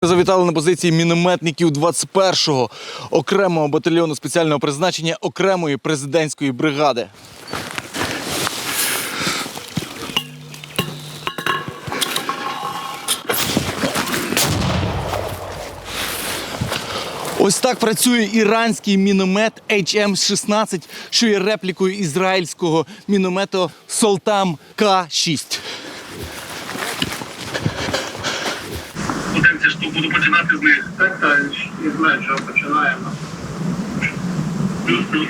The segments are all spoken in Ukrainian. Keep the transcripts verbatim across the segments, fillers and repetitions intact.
Завітали на позиції мінометників двадцять першого окремого батальйону спеціального призначення окремої президентської бригади. Ось так працює іранський міномет ейч ем шістнадцять, що є реплікою ізраїльського міномету Солтам К шість. Будемо що буду починати з них. Так, так, не знаю, чого починаємо. Плюс-плюс.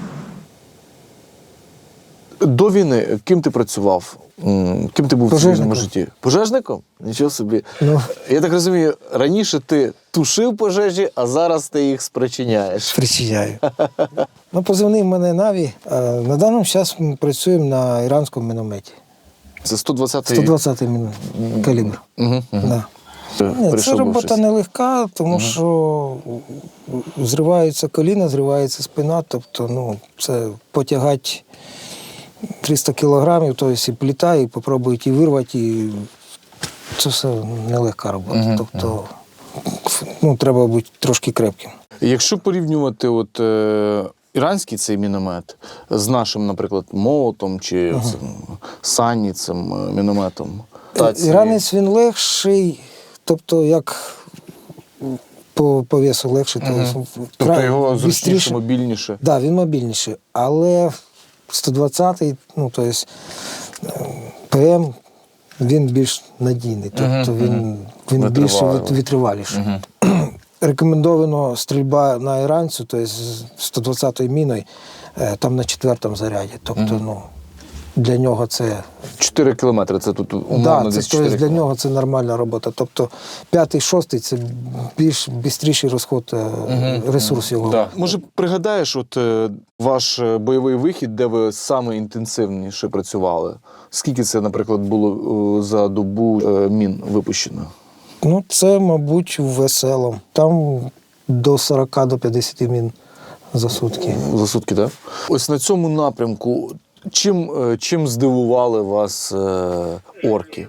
До війни ким ти працював? Ким ти був в цивільному житті? Пожежником? Нічого собі. Ну. Я так розумію, раніше ти тушив пожежі, а зараз ти їх спричиняєш. Спричиняю. Ну, позивний в мене Наві. На даному час ми працюємо на іранському мінометі. Це сто двадцятий? сто двадцятий калібр. Угу, угу. Да. Ні, це робота нелегка, тому угу. що зриваються коліна, зривається спина, тобто ну, це потягати триста кілограмів, тобто і пліта, і попробують і вирвати, і це все нелегка робота. Угу. Тобто ну, треба бути трошки крепким. Якщо порівнювати от, е, іранський цей міномет з нашим, наприклад, молотом чи угу. цим, сані цим мінометом. Іранець він легший, тобто як по, по весу легший. Угу. Тобто його зручніше, мобільніше. Так, да, він мобільніший, але сто двадцятий, ну, тобто ПМ, він більш надійний, тобто він, він більш витриваліший. Угу. Рекомендовано стрільба на іранцю, тобто сто двадцятою міною, там на четвертому заряді, тобто, угу. ну, для нього це... чотири кілометри, це тут умовно да, десь це, чотири тобто, для нього це нормальна робота. Тобто п'ятий, шостий – це більш бистріший розход угу. ресурсу його. Да. Може, пригадаєш от, ваш бойовий вихід, де ви саме інтенсивніше працювали? Скільки це, наприклад, було за добу мін випущено? Ну, це, мабуть, весело. Там до сорока, до п'ятдесяти мін за сутки. За сутки, так? Да? Ось на цьому напрямку чим, чим здивували вас е, орки?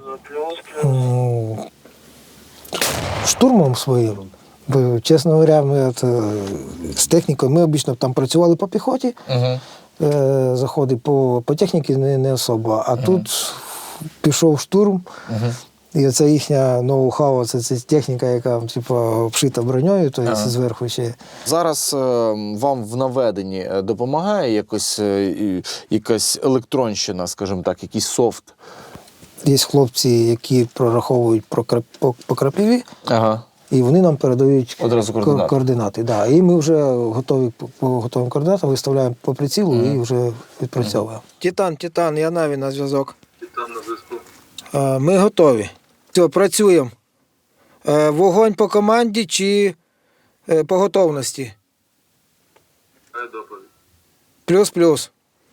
Штурмом своїм. Бо, чесно говоря, ми от, з технікою, ми обично там працювали по піхоті, uh-huh. е, заходи по, по техніці не, не особо, а uh-huh. тут пішов штурм, uh-huh. і оця їхня ноу-хау, це, це техніка, яка типу, обшита броньою, то ага. зверху ще. Зараз е, вам в наведенні допомагає якось, е, якась електронщина, скажімо так, якийсь софт? Є хлопці, які прораховують по, по, по крапиві, ага. і вони нам передають одразу координати. координати да. І ми вже готові по готовим координатам, виставляємо по прицілу mm. і вже відпрацьовуємо. Mm. Титан, Титан, я Наві на зв'язок. Титан на зв'язку. Ми готові. Все, працюємо. Вогонь по команді чи по готовності? Плюс-плюс.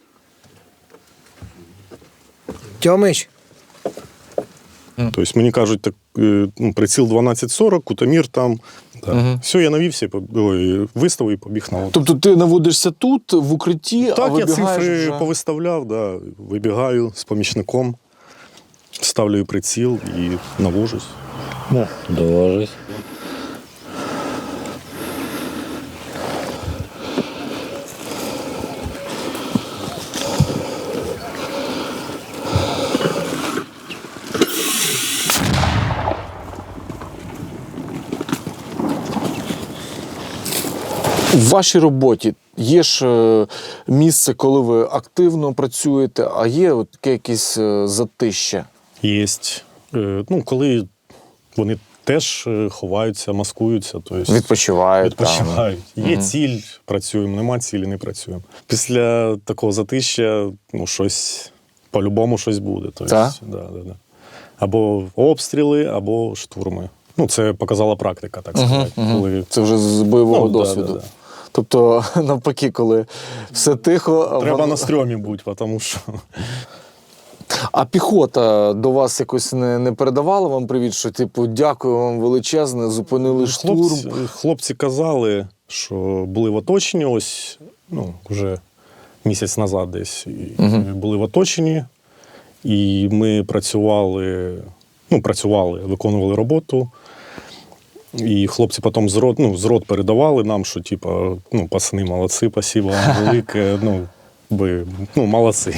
Тьомич? Тобто мені кажуть, так, ну, приціл дванадцять сорок, кутомір там. Да. Угу. Все, я навівся, виставив і побіг на воду. Тобто ти наводишся тут, в укритті, так, а вибігаєш я цифри вже... повиставляв, да, вибігаю з помічником. Ставлю приціл і навожусь. Ну, довожусь. В вашій роботі є ж місце, коли ви активно працюєте, а є от таке якесь затище? Є. Ну, коли вони теж ховаються, маскуються. Тобто відпочивають. Відпочивають. Там. Є угу. ціль, працюємо, нема цілі, не працюємо. Після такого затища, ну, щось, по-любому щось буде. Тобто, так? Да, да, да. Або обстріли, або штурми. Ну, це показала практика, так сказати. Угу, угу. Коли... Це вже з бойового ну, досвіду. Да, да, да. Тобто, навпаки, коли все тихо... Треба вон... на стрьомі бути, тому що... А піхота до вас якось не, не передавала вам привіт, що, типу, дякую вам величезне, зупинили штурм? Хлопці, хлопці казали, що були в оточенні ось, ну, вже місяць назад десь. Угу. Були в оточенні, і ми працювали, ну, працювали, виконували роботу. І хлопці потім з рот, ну, з рот передавали нам, що типа, ну, пацани, молодці, спасибо вам велике, ну, ви, ну, молодці.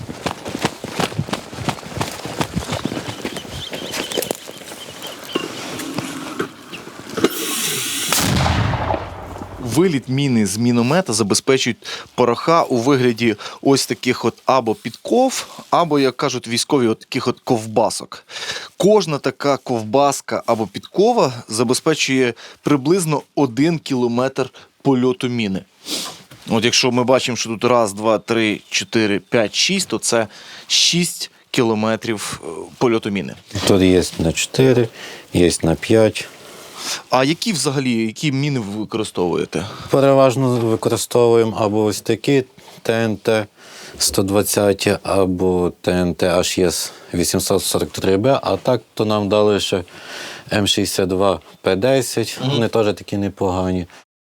Виліт міни з міномета забезпечують пороха у вигляді ось таких от або підков, або, як кажуть військові, от таких от ковбасок. Кожна така ковбаска або підкова забезпечує приблизно один кілометр польоту міни. От якщо ми бачимо, що тут раз, два, три, чотири, п'ять, шість, то це шість кілометрів е, польоту міни. Тут є на чотири, є на п'ять. А які взагалі, які міни ви використовуєте? Переважно використовуємо або ось такі Т Н Т сто двадцять, або Т Н Т H С вісімсот сорок три Б, а так то нам дали ще М шістдесят два П десять, Мгм. вони теж такі непогані.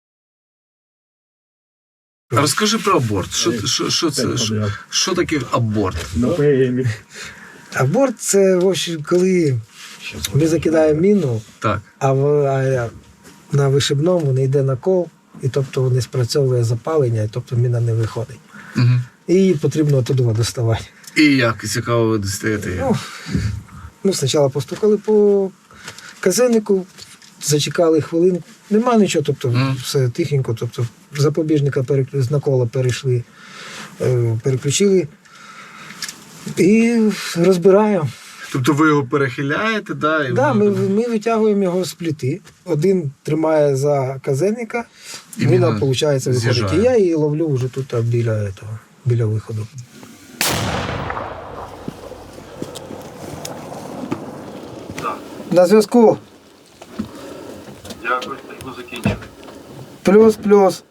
Розкажи про аборт. Що, що, що це? Що, що таке аборт? Аборт це, в общем, коли ми закидаємо міну, Так. а, в- а на вишибному не йде накол, і тобто не спрацьовує запалення, і тобто міна не виходить. Угу. І її потрібно оттуда доставати. І як цікаво ви достаєте її? Ну, ну, спочатку постукали по казеннику, зачекали хвилинку. Нема нічого, тобто Мгм. все тихенько, тобто запобіжника переклю... з накола перейшли, е, переключили і розбираємо. Тобто ви його перехиляєте, да? І Да, воно ми, там- ми витягуємо його з плити. Один тримає за казенника, І і міна, міна виходить, виходить. з'їжджає. І я її ловлю вже тут а, біля, этого, біля виходу. На зв'язку. Дякую, ми закінчили. Плюс, плюс.